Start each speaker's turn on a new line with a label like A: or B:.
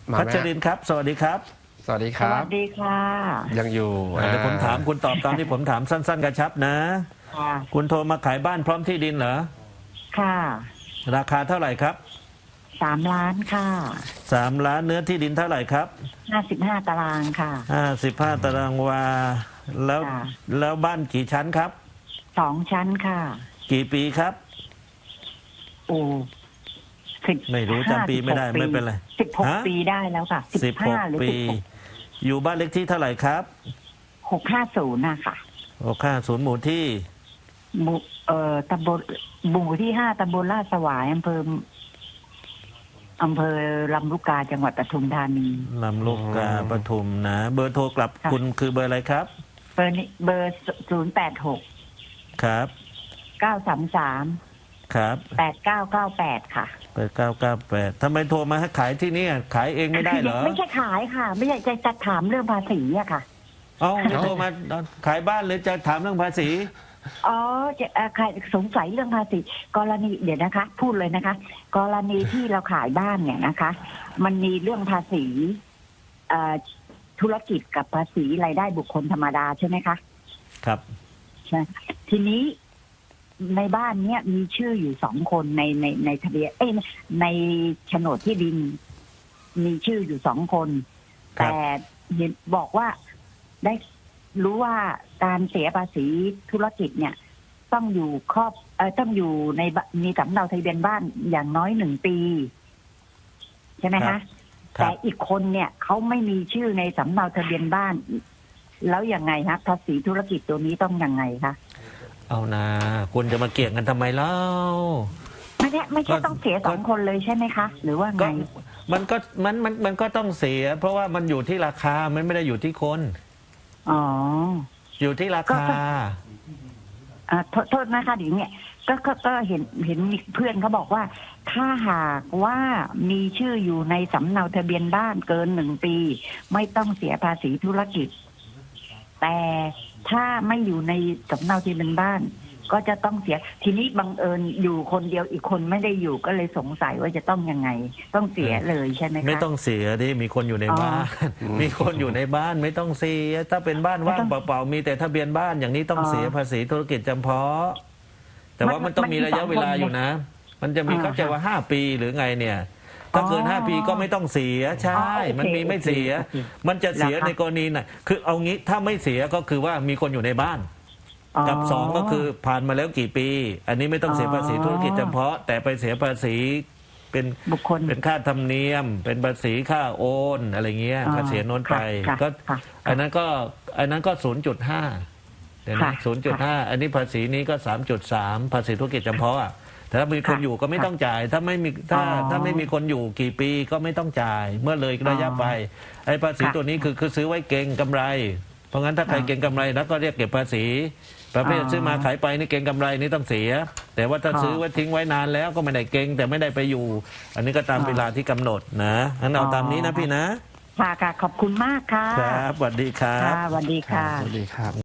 A: พัชรินทร์ครับสวัสดีครับ
B: สวัสดีค
C: ส
B: รับ
C: วัสดีค่ะ
B: ยังอยู่
A: เดี๋ยวผมถามคุณตอบตามที่ผมถามสั้นๆกระชับนะ
C: ค่ะ
A: คุณโทรมาขายบ้านพร้อมที่ดินเหรอ
C: ค่ะ
A: ราคาเท่าไหร่ครับ
C: 3 ล้านค่ะ
A: 3 ล้านเนื้อที่ดินเท่าไหร่ครับ
C: 55 ตารางค่ะ
A: 55 ตารางวาแล้ว
C: ค่ะ
A: แล้วบ้านกี่ชั้นครับ
C: 2 ชั้นค่ะ
A: กี่ปีครับ
C: โอ้
A: ไม่รู้จำปีไม่ได้ไม่เป็นไรฮะ
C: 16 ปีได้แล้วค่ะ15 หรือ
A: 16 ปี อยู่บ้านเล็กที่เท่าไหร่ครับ
C: 650นะคะ
A: 650 หมู่ที่
C: หมู่ตำบลหมู่ที่ 5 ตำบลลาดสวายอำเภอลำลูกกาจังหวัดปทุมธานี
A: ลำลูกกาปทุมนะ เบอร์โทรกลับ
C: ค่ะ
A: คุณคือเบอร์อะไรครับ
C: เบอร์086
A: ครับ
C: 933
A: ครับ
C: 8998 ค่ะ
A: เปิด998ทำไมโทรมาให้ขายที่นี่ขายเองไม่ได้เหรอ
C: ไม่ใช่ขายค่ะ ไม่ใช่จะถามเรื่องภาษีอะค่ะ
A: เอ้าจะโทรมาขายบ้านหรือจะถามเรื่องภาษี
C: อ๋อจะใครสงสัยเรื่องภาษีกรณีเดี๋ยวนะคะ พูดเลยนะคะ กรณีที่เราขายบ้านเนี่ยนะคะ มันมีเรื่องภาษีธุรกิจกับภาษีรายได้บุคคลธรรมดาใช่ไหมคะ
A: ครับ
C: ใช่ทีนี้ในบ้านเนี้ยมีชื่ออยู่2 คนในทะเบียนในโฉนดที่ดิน มีชื่ออยู่2 คน
A: ครับ
C: แต่เห็นบอกว่าได้รู้ว่าการเสียภาษีธุรกิจเนี่ย ต้องอยู่ต้องอยู่ในมีสำเนาทะเบียนบ้านอย่างน้อย1 ปี ใช่ไหม
A: ครั
C: คะ
A: บ
C: แต่อีกคนเนี่ยเขาไม่มีชื่อในสำเนาทะเบียนบ้าน แล้วยังไงคะภาษีธุรกิจตัวนี้ต้องยังไงคะ
A: เอานะคุณจะมาเกี่ยงกันทำไมเล่า
C: ไม่ใช่ต้องเสีย2 คนเลยใช่ไหมคะ หรือว่าไง
A: ก็มันก็ต้องเสีย เพราะว่ามันอยู่ที่ราคามันไม่ได้อยู่ที่คน
C: อ๋อ
A: อยู่ที่ราคา
C: โทษนะคะเดี๋ยวเนี่ยก็เห็นมีเพื่อนเขาบอกว่า ถ้าหากว่ามีชื่ออยู่ในสำเนาทะเบียนบ้านเกิน1 ปี ไม่ต้องเสียภาษีธุรกิจ แต่ถ้าไม่อยู่ในสำเนาทะเบียนบ้าน ก็จะต้องเสีย ทีนี้บังเอิญอยู่คนเดียวอีกคนไม่ได้อยู่ก็เลยสงสัยว่าจะต้องยังไง ต้องเสียเลยใช่ไหมคะ
A: ไม่ต้องเสียดิมีคนอยู่ในบ้าน มีคนอยู่ในบ้านไม่ต้องเสีย ถ้าเป็นบ้านว่างเปล่าๆมีแต่ทะเบียนบ้านอย่างนี้ต้องเสียภาษีธุรกิจจำเพาะ แต่ว่ามันต้องมีระยะเวลาอยู่นะ มันจะมีเข้าใจว่า5 ปีหรือไงเนี่ย ถ้าเกิน5 ปีก็ไม่ต้องเสียใช่ มันมีไม่เสีย มันจะเสียในกรณีไหนคือเอางี้ถ้าไม่เสียก็คือว่ามีคนอยู่ในบ้าน กับ2ก็คือผ่านมาแล้วกี่ปี อันนี้ไม่ต้องเสียภาษีธุรกิจจำเพาะ แต่ไปเสียภาษีเป็น
C: บุคคล
A: เป็นค่าธรรมเนียม เป็นภาษีค่าโอนอะไรเงี้ยค่าเสียโน้นไป ก็อันนั้นก็ 0.5 เดี๋ยวนะ0.5 อันนี้ภาษีนี้ก็ 3.3 ภาษีธุรกิจจำเพาะแต่ถ้ามีคนอยู่ก็ไม่ต้องจ่าย ถ้าไม่มีคนอยู่กี่ปีก็ไม่ต้องจ่าย เมื่อเลยระยะไปไอ้ภาษีตัวนี้คือซื้อไว้เก็งกำไร เพราะงั้นถ้าใครเก็งกำไรแล้วก็เรียกเก็บภาษีประเภทซื้อมาขายไปนี่เก็งกำไรนี่ต้องเสีย แต่ว่าถ้าซื้อไว้ทิ้งไว้นานแล้วก็ไม่ได้เก็งแต่ไม่ได้ไปอยู่ อันนี้ก็ตามเวลาที่กำหนดนะงั้นเอาตามนี้นะพี่นะ
C: ค่ะขอบคุณมากค่ะ
A: ครับสวัสดีครับ
C: ค่ะสวัสดีค่ะ
B: สวัสดีครับ